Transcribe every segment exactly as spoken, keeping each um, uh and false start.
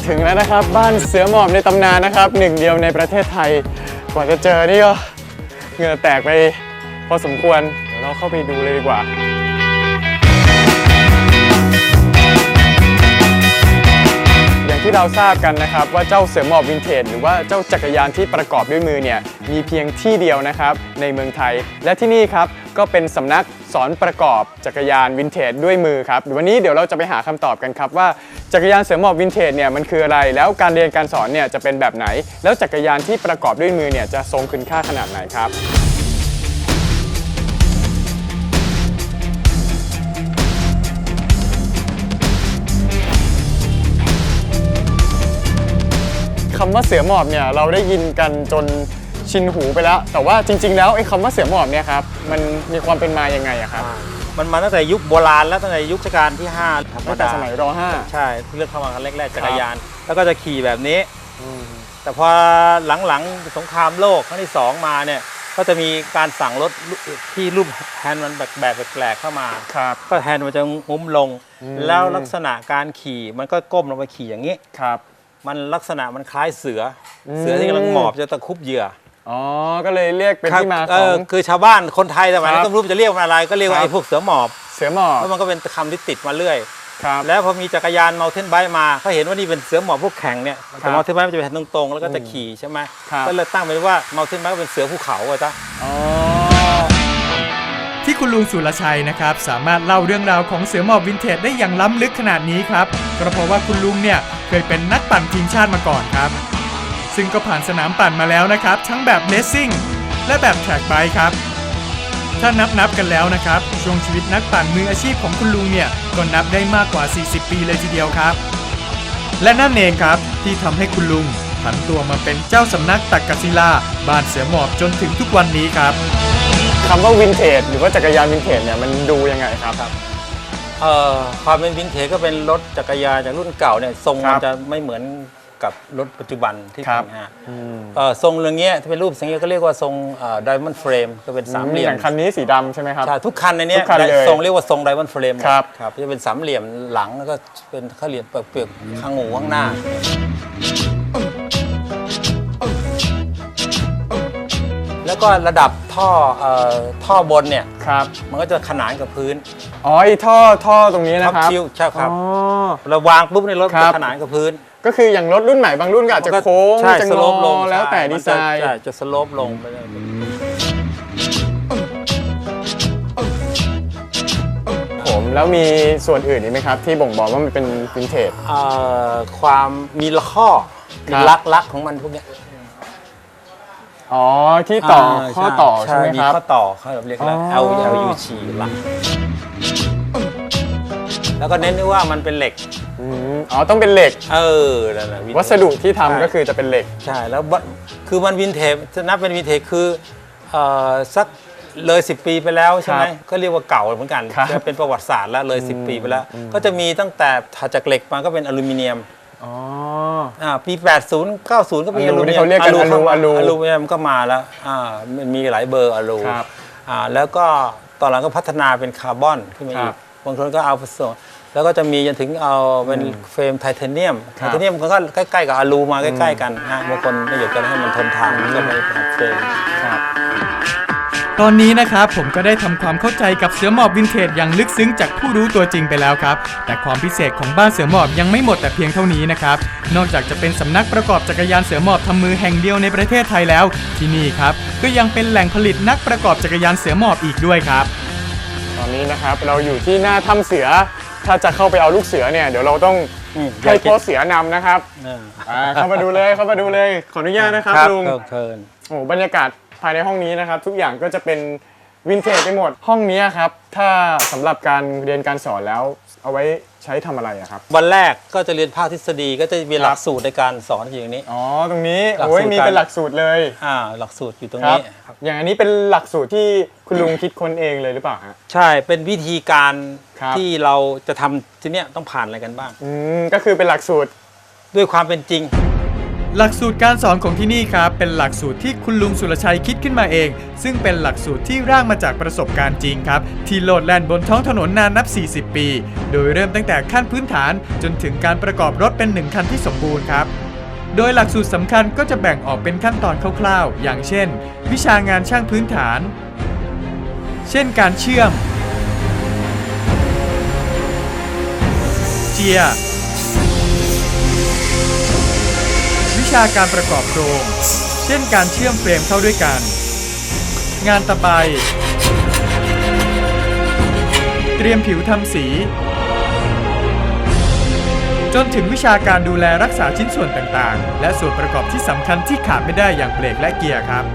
ถึงแล้วนะครับบ้านเสือหมอบในตำนานนะครับหนึ่งเดียวในประเทศไทยกว่าจะเจอนี่ก็เหงื่อแตกไปพอสมควรเดี๋ยวเราเข้าไปดูเลยดีกว่าอย่างที่เราทราบกันนะครับว่าเจ้าเสือหมอบวินเทจหรือว่าเจ้าจักรยานที่ประกอบด้วยมือเนี่ยมีเพียงที่เดียวนะครับในเมืองไทยและที่นี่ครับก็เป็นสำนักสอนประกอบจักรยานวินเทจด้วยมือครับวันนี้เดี๋ยวเราจะไปหาคำตอบกันครับว่าจักรยานเสือหมอบวินเทจเนี่ยมันคืออะไรแล้วการเรียนการสอนเนี่ยจะเป็นแบบไหนแล้วจักรยานที่ประกอบด้วยมือเนี่ยจะทรงคุณค่าขนาดไหนครับคำว่าเสือหมอบเนี่ยเราได้ยินกันจนชินหูไปแล้วแต่ว่าจริงๆแล้วไอ้คำว่าเสือหมอบเนี่ยครับมันมีความเป็นมายังไงอะครับมันมาตั้งแต่ยุคโบราณแล้วตั้งแต่ยุครัชกาลที่ห้าตั้งแต่สมัยร.ห้าใช่เลือกเข้ามาครั้งแรกๆจักรยานแล้วก็จะขี่แบบนี้แต่พอหลังๆสงครามโลกครั้งที่สองมาเนี่ยก็จะมีการสั่งรถที่รูปแฮนด์มันแบบแบบแปลกๆเข้ามาก็แฮนด์มันจะงุ้มลงแล้วลักษณะการขี่มันก็ก้มลงไปขี่อย่างนี้ครับมันลักษณะมันคล้ายเสือเสือที่กำลังหมอบจะตะคุบเหยื่ออ๋อก็เลยเรียกเป็นที่มาของคือชาวบ้านคนไทยสมัยนั้นก็ไม่รู้จะเรียกมันอะไรก็เรียกว่าไอ้พวกเสือหมอบเสือหมอบแล้วมันก็เป็นคำที่ติดมาเรื่อยครับแล้วพอมีจักรยานมัลเทนไบค์มาเขาเห็นว่านี่เป็นเสือหมอบพวกแข่งเนี่ยแต่มัลเทนไบค์มันจะเป็นตรงๆแล้วก็จะขี่ใช่ไหมก็เลยตั้งเป็นว่ามัลเทนไบค์เป็นเสือภูเขาอ่ะจ้ะที่คุณลุงสุรชัยนะครับสามารถเล่าเรื่องราวของเสือหมอบวินเทจได้อย่างล้ำลึกขนาดนี้ครับก็เพราะว่าคุณลุงเนี่ยเคยเป็นนักปั่นทีมชาติมาก่อนครับซึ่งก็ผ่านสนามปั่นมาแล้วนะครับทั้งแบบเลสซิ่งและแบบแทร็กไบค์ครับถ้านับนับกันแล้วนะครับช่วงชีวิตนักปั่นมืออาชีพของคุณลุงเนี่ยก็นับได้มากกว่าสี่สิบปีเลยทีเดียวครับและนั่นเองครับที่ทำให้คุณลุงผันตัวมาเป็นเจ้าสำนักตักกศิลาบ้านเสือหมอบจนถึงทุกวันนี้ครับคำว่าวินเทจหรือว่าจักรยานวินเทจเนี่ยมันดูยังไงครับเอ่อความเป็นวินเทจก็เป็นรถจักรยานจากรุ่นเก่าเนี่ยทรงมันจะไม่เหมือนกับรถปัจจุบันที่ทำฮะทรงเรื่องเงี้ยที่เป็นรูปสังเกตก็เรียกว่าทรงไดมอนด์เฟรมก็เป็นสามเหลี่ยมอย่างคันนี้สีดำใช่ไหมครับใช่ทุกคันในนี้ทรงเรียกว่าทรงไดมอนด์เฟรมครับครับจะเป็นสามเหลี่ยมหลังแล้วก็เป็นข้าเหลี่ยมเปลือกข้างหูข้างหน้าแล้วก็ระดับท่อท่อบนเนี่ยครับมันก็จะขนานกับพื้นอ๋อไอ้ท่อท่อตรงนี้นะครับใช่ครับเราวางปุ๊บในรถจะขนานกับพื้นก็คืออย่างรถรุ่นใหม่บางรุ่นก็อาจจะโค้งจะงอแล้วแต่ดีไซน์จะสโลปลงไปเลยผมแล้วมีส่วนอื่นอีกไหมครับที่บ่งบอกว่ามันเป็นวินเทจความมีข้อมีลักลักของมันพวกนี้อ๋อที่ต่อข้อต่อใช่ไหมครับมีข้อต่อเขาเรียกว่า L L U G หลักแล้วก็เน้นด้วยว่ามันเป็นเหล็กอ๋อต้องเป็นเหล็กเออวัสดุที่ทำก็คือจะเป็นเหล็กใช่แล้วคือมันวินเทจจะนับเป็นวินเทจคือสักเลยสิบปีไปแล้วใช่ไหมก็เรียกว่าเก่าเหมือนกันจะเป็นประวัติศาสตร์แล้วเลยสิบปีไปแล้วก็จะมีตั้งแต่ถัดจากเหล็กมาก็เป็นอลูมิเนียมอ๋ออ่าปีแปดสิบ เก้าสิบก็มีอลูมิเนียมเขาเรียกกันอลูอลูอลูมิเนียมก็มาแล้วอ่ามันมีหลายเบอร์อลูอ่าแล้วก็ตอนหลังก็พัฒนาเป็นคาร์บอนขึ้นมาอีกบางคนก็เอาผสมแล้วก็จะมีจนถึงเอาเป็นเฟรมไทเทเนียมไทเทเนียมก็ใกล้ๆกับอลูมาใกล้ๆกันนะบางคนไม่อยากจะให้มันทนทานก็ไม่เอาเฟรมตอนนี้นะครับผมก็ได้ทำความเข้าใจกับเสือหมอบวินเทจอย่างลึกซึ้งจากผู้รู้ตัวจริงไปแล้วครับแต่ความพิเศษของบ้านเสือหมอบยังไม่หมดแต่เพียงเท่านี้นะครับนอกจากจะเป็นสำนักประกอบจักรยานเสือหมอบทำมือแห่งเดียวในประเทศไทยแล้วที่นี่ครับก็ยังเป็นแหล่งผลิตนักประกอบจักรยานเสือหมอบอีกด้วยครับตอนนี้นะครับเราอยู่ที่หน้าถ้ำเสือถ้าจะเข้าไปเอาลูกเสือเนี่ยเดี๋ยวเราต้องให้พ่อเสือนำนะครับเข้ามาดูเลยเข้ามาดูเลยขออนุญาตนะครับลุงโอ้บรรยากาศภายในห้องนี้นะครับทุกอย่างก็จะเป็นวินเทจไปหมดห้องนี้ครับถ้าสำหรับการเรียนการสอนแล้วเอาไว้ใช้ทำอะไรครับวันแรกก็จะเรียนภาคทฤษฎีก็จะมีหลักสูตรในการสอนอย่างนี้อ๋อตรงนี้โอ้ยมีเป็นหลักสูตรเลยอ่าหลักสูตรอยู่ตรงนี้อย่างอันนี้เป็นหลักสูตรที่คุณลุงคิดค้นเองเลยหรือเปล่าฮะใช่เป็นวิธีการที่เราจะทำทีเนี้ยต้องผ่านอะไรกันบ้างอืมก็คือเป็นหลักสูตรด้วยความเป็นจริงหลักสูตรการสอนของที่นี่ครับเป็นหลักสูตรที่คุณลุงสุรชัยคิดขึ้นมาเองซึ่งเป็นหลักสูตรที่ร่างมาจากประสบการณ์จริงครับที่โลดแล่นบนท้องถนนนานนับสี่สิบปีโดยเริ่มตั้งแต่ขั้นพื้นฐานจนถึงการประกอบรถเป็นหนึ่งคันที่สมบูรณ์ครับโดยหลักสูตรสำคัญก็จะแบ่งออกเป็นขั้นตอนคร่าวๆอย่างเช่นวิชางานช่างพื้นฐานเช่นการเชื่อมเจียร์วิชาการประกอบโครงเช่นการเชื่อมเฟรมเข้าด้วยกันงานตะไบเตรียมผิวทำสีจนถึงวิชาการดูแลรักษาชิ้นส่วนต่างๆและส่วนประกอบที่สำคัญที่ขาดไม่ได้อย่างเบรกและเกียร์ครับ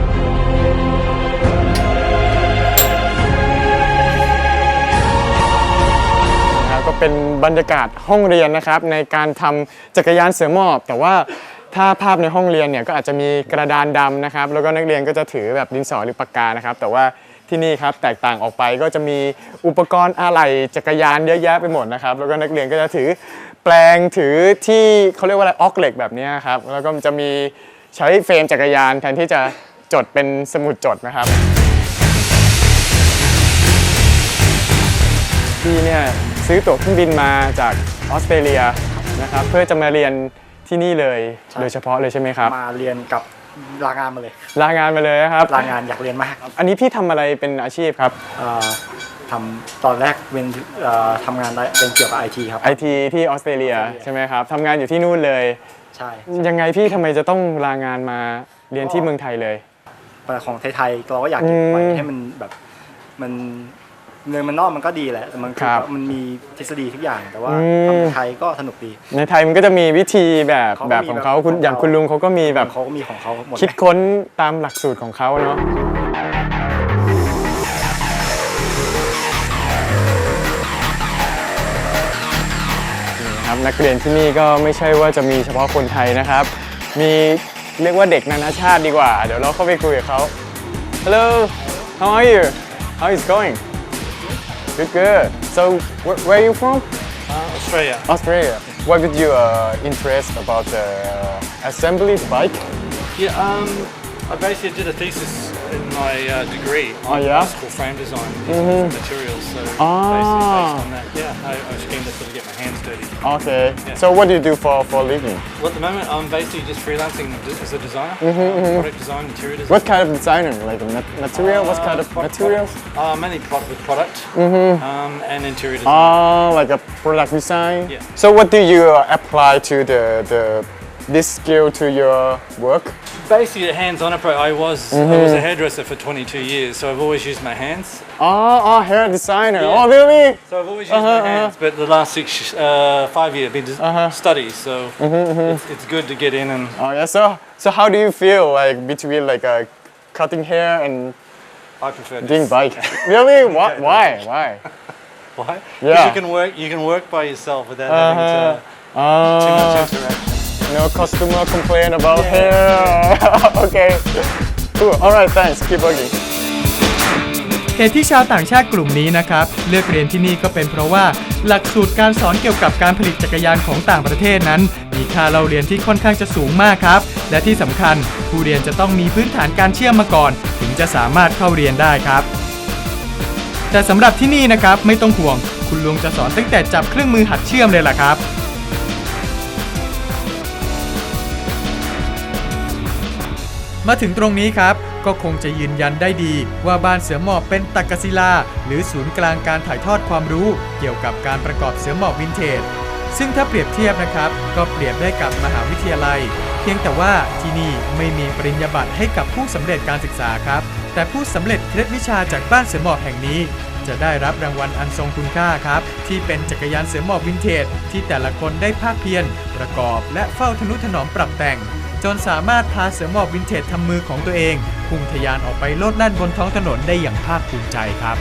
ก็เป็นบรรยากาศห้องเรียนนะครับในการทำจักรยานเสือหมอบแต่ว่าถ้าภาพในห้องเรียนเนี่ยก็อาจจะมีกระดานดำนะครับแล้วก็นักเรียนก็จะถือแบบดินสอหรือปากกานะครับแต่ว่าที่นี่ครับแตกต่างออกไปก็จะมีอุปกรณ์อะไหล่จักรยานเยอะแยะไปหมดนะครับแล้วก็นักเรียนก็จะถือแปลงถือที่เขาเรียกว่าอะไรออกเหล็กแบบนี้ครับแล้วก็จะมีใช้เฟรมจักรยานแทนที่จะจดเป็นสมุดจดนะครับที่เนี่ยซื้อตั๋วเครื่องบินมาจากออสเตรเลียนะครับเพื่อจะมาเรียนที่นี่เลยโดยเฉพาะเลยใช่ไหมครับมาเรียนกับลางานมาเลยลางานมาเลยครับลางานอยากเรียนมากครับอันนี้พี่ทำอะไรเป็นอาชีพครับทำตอนแรกเป็นทำงานเป็นเกี่ยวกับไอทีครับไอทีที่ออสเตรเลียใช่ไหมครับทำงานอยู่ที่นู่นเลยใช่ยังไงพี่ทำไมจะต้องลางานมาเรียนที่เมืองไทยเลยของไทยๆเราก็อยากเก็บไว้ให้มันแบบมันเงินมันนอกมันก็ดีแหละแต่มันคือมันมีทฤษฎีทุกอย่างแต่ว่าทำไทยก็สนุกดีในไทยมันก็จะมีวิธีแบบแบบของเขาคุณอย่างคุณลุงเขาก็มีแบบเขาก็มีของเขาหมดคิดค้นตามหลักสูตรของเขาเนาะครับนักเรียนที่นี่ก็ไม่ใช่ว่าจะมีเฉพาะคนไทยนะครับมีเรียกว่าเด็กนานาชาติดีกว่าเดี๋ยวเราเข้าไปคุยกับเขา Hello how are you how is going Good, good. So, wh where are you from? Uh, Australia. Australia. What did you uh, interest about the assembly bike? Yeah, um, I basically did a thesis in my uh, degree on oh, yeah? bicycle frame design using mm-hmm. materials. So, ah. basically based on that, yeah, I, I was keen to sort of get my hands dirty. Okay. Yeah. So, what do you do for for a living? Well, at the moment, I'm basically just freelancing as a designer, mm-hmm, um, mm-hmm. product design, interior design. What kind of designer? Like a material? Uh, what kind of product, materials? Uh, mainly product with product mm-hmm. um, and interior design. Ah, like a product design. Yeah. So, what do you uh, apply to the the this skill to your work? Basically, a hands-on approach. I was mm-hmm. I was a hairdresser for twenty-two years, so I've always used my hands. Oh, oh hair designer. Yeah. Oh, really? So I've always used uh-huh, my hands, uh-huh. but the last six, uh, five years, I've been uh-huh. studies. So mm-hmm, mm-hmm. It's, it's good to get in and. Oh yeah. So so how do you feel like between like uh, cutting hair and I prefer doing bike? Really? What? Why? Why? Why? Yeah. Because you can work. You can work by yourself without uh-huh. having to uh, too much interaction. No customer complain about yeah. hair. Okay. Cool. All right. Thanks. Keep working. เหตุที่ชาวต่างชาติกลุ่มนี้นะครับเลือกเรียนที่นี่ก็เป็นเพราะว่าหลักสูตรการสอนเกี่ยวกับการผลิตจักรยานของต่างประเทศนั้นมีค่าเล่าเรียนที่ค่อนข้างจะสูงมากครับและที่สำคัญผู้เรียนจะต้องมีพื้นฐานการเชื่อมมาก่อนถึงจะสามารถเข้าเรียนได้ครับแต่สำหรับที่นี่นะครับไม่ต้องห่วงคุณลุงจะสอนตั้งแต่จับเครื่องมือหัดเชื่อมเลยล่ะครับมาถึงตรงนี้ครับก็คงจะยืนยันได้ดีว่าบ้านเสือหมอบเป็นตักกศิลาหรือศูนย์กลางการถ่ายทอดความรู้เกี่ยวกับการประกอบเสือหมอบวินเทจซึ่งถ้าเปรียบเทียบนะครับก็เปรียบได้กับมหาวิทยาลัยเพียงแต่ว่าที่นี่ไม่มีปริญญาบัตรให้กับผู้สำเร็จการศึกษาครับแต่ผู้สำเร็จเคล็ดวิชาจากบ้านเสือหมอบแห่งนี้จะได้รับรางวัลอันทรงคุณค่าครับที่เป็นจักรยานเสือหมอบวินเทจที่แต่ละคนได้ภาคเพียรประกอบและเฝ้าทนุถนอมปรับแต่งจนสามารถพาเสือหมอบวินเทจทำมือของตัวเองพุ่งทะยานออกไปโลดแล่นบนท้องถนนได้อย่างภาคภูมิใจครับ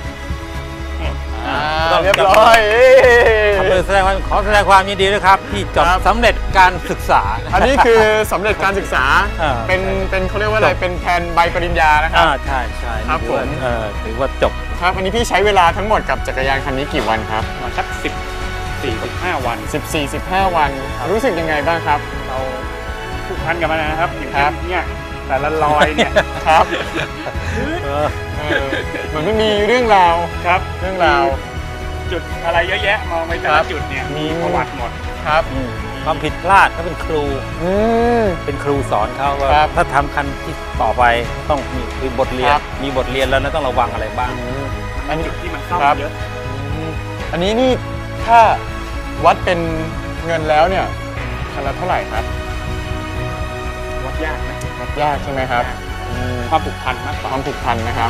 เรียบร้อยขอแสดงความขอแสดงความยินดีด้วยครับที่จบสำเร็จการศึกษาอันนี้คือสำเร็จการศึกษาเป็นเป็นเขาเรียกว่าอะไรเป็นแทนใบปริญญานะครับใช่ใช่ครับผมถือว่าจบครับอันนี้พี่ใช้เวลาทั้งหมดกับจักรยานคันนี้กี่วันครับสักสิบสี่สิบห้าวันสิบสี่สิบห้าวันรู้สึกยังไงบ้างครับเราผูกพันกับมันนะครับอย่างครัเช่บนเนี่ยแต่ละรอยเนี่ยครับเออเออเหมือนไม่มีเรื่องราวครับเรื่องราวจุดอะไรเยอะแยะมองไปแต่ครัละบจุดเนี่ยอืมีมประวัติหมดครับอืมความผิดพลาดเขาเป็นครูอืมเป็นครูสอนเขาว่าครับถ้าทำคันที่ต่อไปต้องมีคือบทเรียคน รับมีบทเรียนแล้วนะต้องระวังอะไรบ้างอืมอันนี้จุดที่มันซ่อมครับเยอะอืมอันนี้นี่ถ้าวัดเป็นเงินแล้วเนี่ยคันละเท่าไหร่ครับวัดยากนะวัดยากใช่ไหมครับอืมความผูกพันมากกคว่าวามผูกพันนะครับ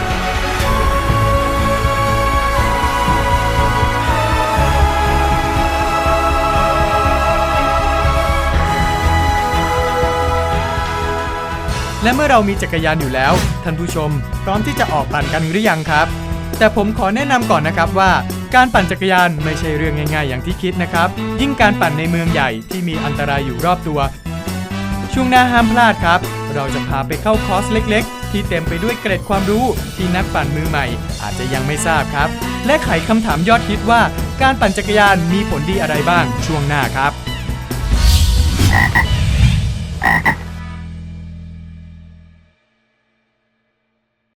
และเมื่อเรามีจักรยานอยู่แล้วท่านผู้ชมพร้อมที่จะออกปั่นกันหรือยังครับ แต่ผมขอแนะนำก่อนนะครับว่าการปั่นจักรยานไม่ใช่เรื่องง่ายๆอย่างที่คิดนะครับยิ่งการปั่นในเมืองใหญ่ที่มีอันตรายอยู่รอบตัวช่วงหน้าห้ามพลาดครับเราจะพาไปเข้าคอร์สเล็กๆที่เต็มไปด้วยเกร็ดความรู้ที่นักปั่นมือใหม่อาจจะยังไม่ทราบครับและไขคำถามยอดฮิตว่าการปั่นจักรยานมีผลดีอะไรบ้างช่วงหน้าครับ